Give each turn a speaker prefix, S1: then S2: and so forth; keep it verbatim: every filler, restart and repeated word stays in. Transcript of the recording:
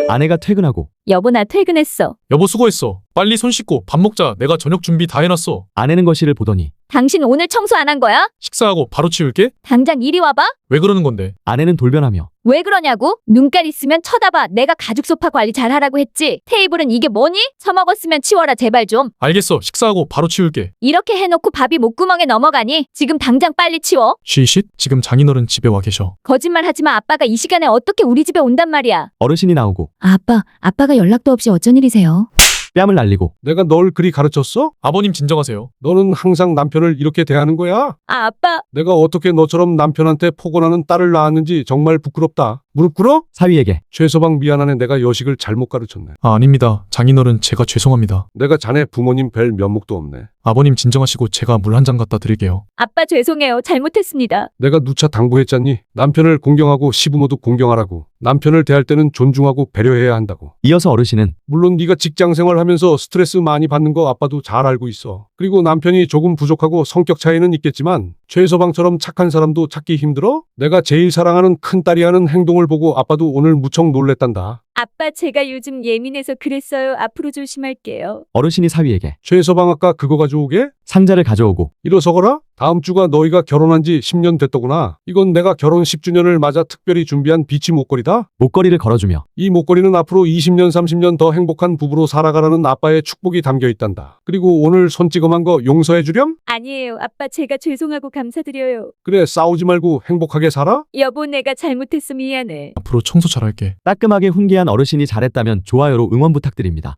S1: 아내가 퇴근하고
S2: 여보, 나 퇴근했어.
S3: 여보 수고했어. 빨리 손 씻고 밥 먹자. 내가 저녁 준비 다 해놨어.
S1: 아내는 거실을 보더니
S2: 당신 오늘 청소 안 한 거야?
S3: 식사하고 바로 치울게.
S2: 당장 이리 와봐.
S3: 왜 그러는 건데?
S1: 아내는 돌변하며
S2: 왜 그러냐고? 눈깔 있으면 쳐다봐. 내가 가죽 소파 관리 잘하라고 했지. 테이블은 이게 뭐니? 처먹었으면 치워라 제발 좀.
S3: 알겠어. 식사하고 바로 치울게.
S2: 이렇게 해놓고 밥이 목구멍에 넘어가니? 지금 당장 빨리 치워.
S3: 쉬쉿. 지금 장인어른 집에 와 계셔.
S2: 거짓말 하지마. 아빠가 이 시간에 어떻게 우리 집에 온단 말이야.
S1: 어르신이 나오고
S2: 아, 아빠, 아빠가 연락도 없이 어쩐 일이세요?
S1: 뺨을 날리고
S4: 내가 널 그리 가르쳤어?
S3: 아버님 진정하세요.
S4: 너는 항상 남편을 이렇게 대하는 거야?
S2: 아, 아빠.
S4: 내가 어떻게 너처럼 남편한테 포근하는 딸을 낳았는지 정말 부끄럽다. 무릎 꿇어?
S1: 사위에게
S4: 최서방 미안하네. 내가 여식을 잘못 가르쳤네.
S3: 아 아닙니다. 장인어른 제가 죄송합니다.
S4: 내가 자네 부모님 뵐 면목도 없네.
S3: 아버님 진정하시고 제가 물 한 잔 갖다 드릴게요.
S2: 아빠 죄송해요. 잘못했습니다.
S4: 내가 누차 당부했잖니. 남편을 공경하고 시부모도 공경하라고. 남편을 대할 때는 존중하고 배려해야 한다고.
S1: 이어서 어르신은
S4: 물론 네가 직장 생활하면서 스트레스 많이 받는 거 아빠도 잘 알고 있어. 그리고 남편이 조금 부족하고 성격 차이는 있겠지만 최서방처럼 착한 사람도 찾기 힘들어? 내가 제일 사랑하는 큰딸이 하는 행동을 보고 아빠도 오늘 무척 놀랬단다.
S2: 아빠, 제가 요즘 예민해서 그랬어요. 앞으로 조심할게요.
S1: 어르신이 사위에게
S4: 최서방 아까 그거 가져오게?
S1: 상자를 가져오고
S4: 일어서거라? 다음 주가 너희가 결혼한 지 십 년 됐더구나. 이건 내가 결혼 십 주년을 맞아 특별히 준비한 비치 목걸이다.
S1: 목걸이를 걸어주며
S4: 이 목걸이는 앞으로 이십 년 삼십 년 더 행복한 부부로 살아가라는 아빠의 축복이 담겨 있단다. 그리고 오늘 손찌검한 거 용서해 주렴?
S2: 아니에요. 아빠, 제가 죄송하고 감사드려요.
S4: 그래, 싸우지 말고 행복하게 살아?
S2: 여보, 내가 잘못했어. 미안해.
S3: 앞으로 청소 잘할게.
S1: 따끔하게 훈계한 어르신이 잘했다면 좋아요로 응원 부탁드립니다.